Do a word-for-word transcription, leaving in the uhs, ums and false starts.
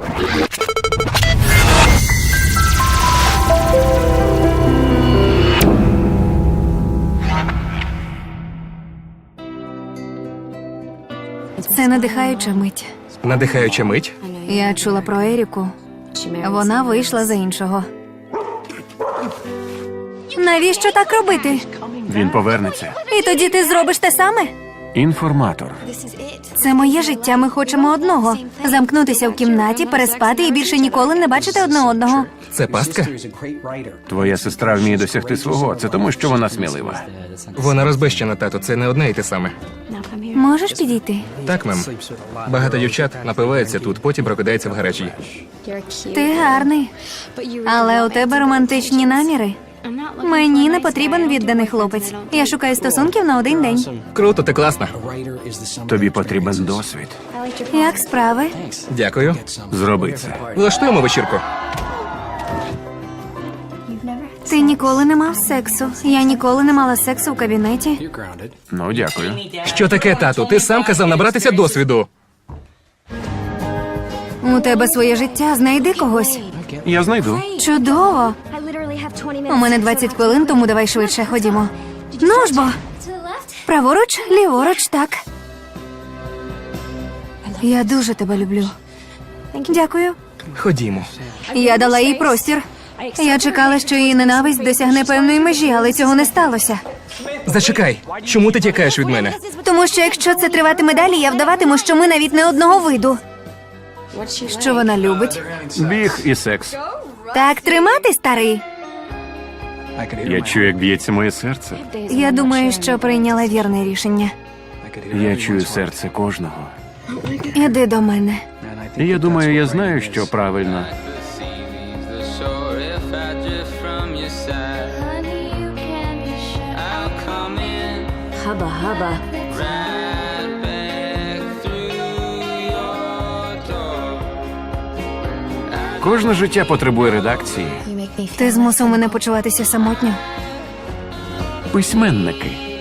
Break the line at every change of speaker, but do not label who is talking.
Це надихаюча мить.
Надихаюча мить?
Я чула про Еріку. Вона вийшла за іншого. Навіщо так робити?
Він повернеться.
І тоді ти зробиш те саме?
Інформатор.
Це моє життя, ми хочемо одного. Замкнутися в кімнаті, переспати і більше ніколи не бачити одне одного.
Це пастка?
Твоя сестра вміє досягти свого. Це тому, що вона смілива.
Вона розбещена, тато, це не одне і те саме.
Можеш підійти?
Так, мем. Багато дівчат напиваються тут, потім прокидаються в гаражі.
Ти гарний. Але у тебе романтичні наміри. Мені не потрібен відданий хлопець. Я шукаю стосунків на один день.
Круто, ти класна.
Тобі потрібен досвід.
Як справи?
Дякую.
Зроби це.
Влаштуємо вечірку.
Ти ніколи не мав сексу. Я ніколи не мала сексу в кабінеті.
Ну, дякую.
Що таке, тату? Ти сам казав набратися досвіду.
У тебе своє життя, знайди когось.
Я знайду.
Чудово. У мене двадцять хвилин, тому давай швидше ходімо. Ну ж бо. Праворуч, ліворуч, так. Я дуже тебе люблю. Дякую.
Ходімо.
Я дала їй простір. Я чекала, що її ненависть досягне певної межі, але цього не сталося.
Зачекай, чому ти тікаєш від мене?
Тому що якщо це триватиме далі, я вдаватиму, що ми навіть не одного виду. Що вона любить?
Біг і секс.
Так тримати, старий?
Я чую, як б'ється моє серце.
Я думаю, що прийняла вірне рішення.
Я чую серце кожного.
Іди до мене.
І я думаю, я знаю, що правильно.
Hubba hubba.
Кожне життя потребує редакції.
Ти змусив мене почуватися самотньо.
Письменники.